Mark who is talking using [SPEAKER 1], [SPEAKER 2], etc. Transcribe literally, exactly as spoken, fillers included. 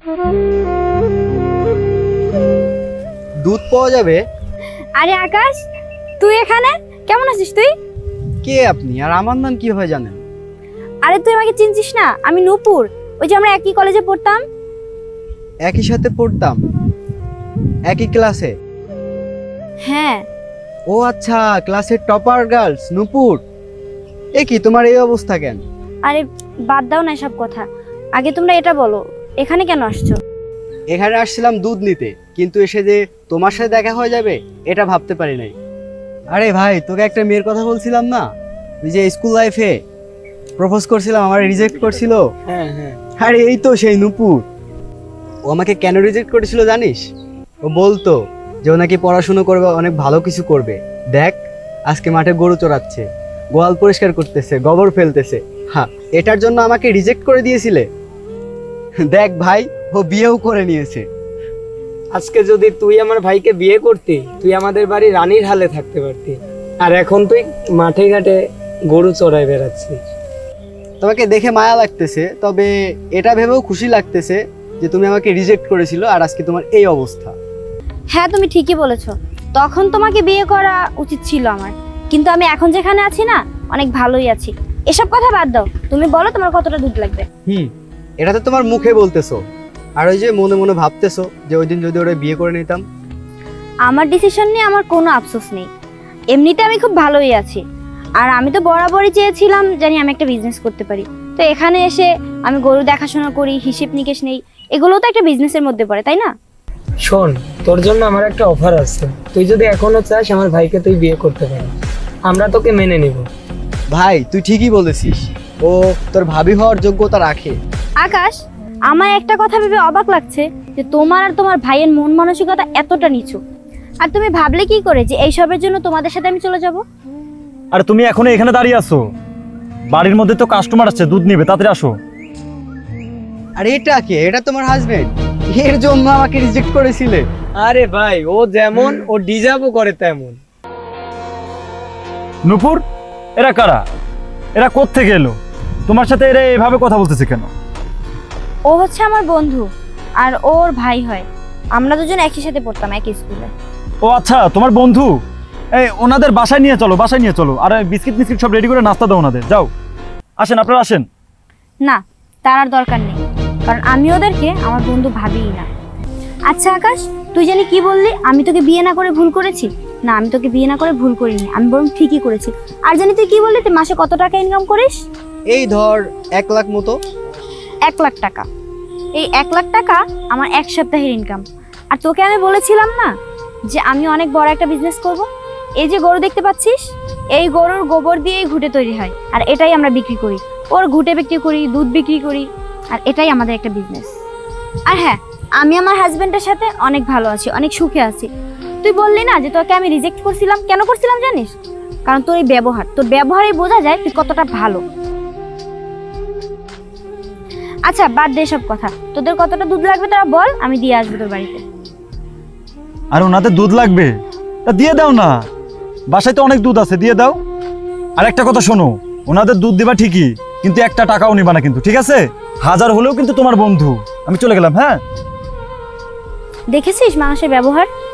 [SPEAKER 1] দুধ পাওয়া যাবে?
[SPEAKER 2] আরে আকাশ, তুই এখানে কেমন আছিস তুই?
[SPEAKER 1] কে আপনি আর আমার নাম কিভাবে জানেন?
[SPEAKER 2] আরে তুই আমাকে চিনছিস না? আমি নূপুর, ওই যে আমরা একই কলেজে পড়তাম।
[SPEAKER 1] একই সাথে পড়তাম, একই ক্লাসে?
[SPEAKER 2] হ্যাঁ।
[SPEAKER 1] ও আচ্ছা, ক্লাসের টপার গার্লস নূপুর। এ কি তোমার এই অবস্থা কেন?
[SPEAKER 2] আরে বাদ দাও না এসব কথা, আগে তোমরা এটা বলো এখানে কেন আসছো?
[SPEAKER 1] এখানে আসছিলাম দুধ নিতে, কিন্তু এসে যে তোমার সাথে দেখা হয়ে যাবে এটা ভাবতে পারি নাই। আরে ভাই, তোকে একটা মেয়ের কথা বলছিলাম না, ওই যে স্কুল লাইফে প্রপোজ করছিলাম, আমার রিজেক্ট করছিল।
[SPEAKER 3] হ্যাঁ হ্যাঁ।
[SPEAKER 1] আরে এই তো সেই নূপুর। ও আমাকে কেন রিজেক্ট করেছিল জানিস? ও বলতো যে ও নাকি পড়াশুনো করবে, অনেক ভালো কিছু করবে। দেখ, আজকে মাঠে গরু চড়াচ্ছে, গোয়াল পরিষ্কার করতেছে, গোবর ফেলতেছে। হ্যাঁ, এটার জন্য আমাকে রিজেক্ট করে দিয়েছিলে? দেখ ভাই, ও বিয়েও করে নিয়েছে।
[SPEAKER 3] আজকে যদি তুই আমার ভাইকে বিয়ে করতি, তুই আমাদের বাড়ি রানীর হালে থাকতে পারতি, আর এখন তুই মাঠে ঘাটে গরু চড়াই বেড়াচ্ছিস।
[SPEAKER 1] তোমাকে দেখে মায়া লাগতেছে, তবে এটা ভেবেও খুশি লাগতেছে যে তুমি আমাকে রিজেক্ট করেছিল আর আজকে তোমার এই অবস্থা।
[SPEAKER 2] হ্যাঁ তুমি ঠিকই বলেছো, তখন তোমাকে বিয়ে করা উচিত ছিল আমার, কিন্তু আমি এখন যেখানে আছি না, অনেক ভালোই আছি। এসব কথা বাদ দাও, তুমি বলো তোমার কতটা দুধ লাগবে?
[SPEAKER 1] হুম, এটা তো তোমার মুখে বলতেছো, আর ওই যে মনে মনে ভাবতেছো যে ওই দিন যদি ওরা বিয়ে করে নিতাম।
[SPEAKER 2] আমার ডিসিশন নিয়ে আমার কোনো আফসোস নেই, এমনিতে আমি খুব ভালোই আছি। আর আমি তো বরাবরই চেয়েছিলাম জানি আমি একটা বিজনেস করতে পারি, তো এখানে এসে আমি গরু দেখাশোনা করি, হিসেব নিকেশ নেই, এগুলোও তো একটা বিজনেসের মধ্যে পড়ে, তাই না?
[SPEAKER 3] শোন, তোর জন্য আমার একটা অফার আছে, তুই যদি এখনো চাস আমার ভাইকে তুই বিয়ে করতে পারিস, আমরা তোকে মেনে নিব।
[SPEAKER 1] ভাই তুই ঠিকই বলেছিস, ও তোর ভাবি হওয়ার যোগ্যতা রাখে।
[SPEAKER 2] আকাশ, আমার একটা কথা ভেবে অবাক লাগছে যে তোমার আর তোমার ভাইয়ের মন মানসিকতা এতটা নিচু। আর তুমি ভাবলে কি করে যে এই সবের জন্য তোমাদের সাথে আমি চলে যাব?
[SPEAKER 4] আর তুমি এখনো এখানে দাঁড়িয়ে আছো? বাড়ির মধ্যে তো কাস্টমার আসছে, দুধ নিবে, তাড়াতাড়ি আসো।
[SPEAKER 1] আর এটা কে? এটা তোমার হাজবেন্ড? এর জন্য আমাকে রিজেক্ট করেছিলে?
[SPEAKER 3] আরে ভাই, ও যেমন ও ডিজার্ভও করে তেমন।
[SPEAKER 4] নূপুর, এরা কারা? এরা কোত্থেকে এলো? তোমার সাথে এরা এভাবে কথা বলতেছে কেন?
[SPEAKER 2] ও হচ্ছে আমার বন্ধু, আর ওর ভাই হয়। আমরা দুজন একই সাথে পড়তাম, একই স্কুলে।
[SPEAKER 4] ও আচ্ছা, তোমার বন্ধু। এই ওনাদের বাসায় নিয়ে চলো, বাসায় নিয়ে চলো, আর বিস্কিট মিস্কিট সব রেডি করে নাস্তা দাও ওনাদের। যাও, আসেন, আপনারা আসেন।
[SPEAKER 2] না, তার আর দরকার নেই, কারণ আমি ওদেরকে আমার বন্ধু ভাবিই না। আচ্ছা আকাশ, তুই জানি কি বললি আমি তোকে বিয়ে না করে ভুল করেছি? না, আমি তোকে বিয়ে না করে ভুল করিনি, আমি বরং ঠিকই করেছি। আর জানি তুই কি বললি তুই মাসে কত টাকা ইনকাম করিস?
[SPEAKER 1] এই ধর এক লাখ মতো।
[SPEAKER 2] এক লাখ টাকা? এই এক লাখ টাকা আমার এক সপ্তাহের ইনকাম। আর তোকে আমি বলেছিলাম না যে আমি অনেক বড় একটা বিজনেস করব? এই যে গরু দেখতে পাচ্ছিস, এই গরুর গোবর দিয়েই ঘুঁটে তৈরি হয়, আর এটাই আমরা বিক্রি করি। ওর ঘুঁটে বিক্রি করি, দুধ বিক্রি করি, আর এটাই আমাদের একটা বিজনেস। আর হ্যাঁ, আমি আমার হাজবেন্ডের সাথে অনেক ভালো আছি, অনেক সুখে আছি। তুই বললি না যে তোকে আমি রিজেক্ট করছিলাম, কেন করছিলাম জানিস? কারণ তোর এই ব্যবহার, তোর ব্যবহারেই বোঝা যায় তুই কতটা ভালো। আচ্ছা বাদ দে সব কথা, তোদের কতটা দুধ লাগবে তারা বল, আমি দিয়ে আসবো তোর বাড়িতে।
[SPEAKER 4] আর ওনাদের দুধ লাগবে, তা দিয়ে দাও না, বাসায় তো অনেক দুধ আছে, দিয়ে দাও। আর একটা কথা শোনো, ওনাদের দুধ দিবা ঠিকই, কিন্তু একটা টাকাও নিবা না কিন্তু, ঠিক আছে? হাজার হলেও কিন্তু তোমার বন্ধু। আমি চলে গেলাম, হ্যাঁ?
[SPEAKER 2] দেখেছিস মানুষের ব্যবহার?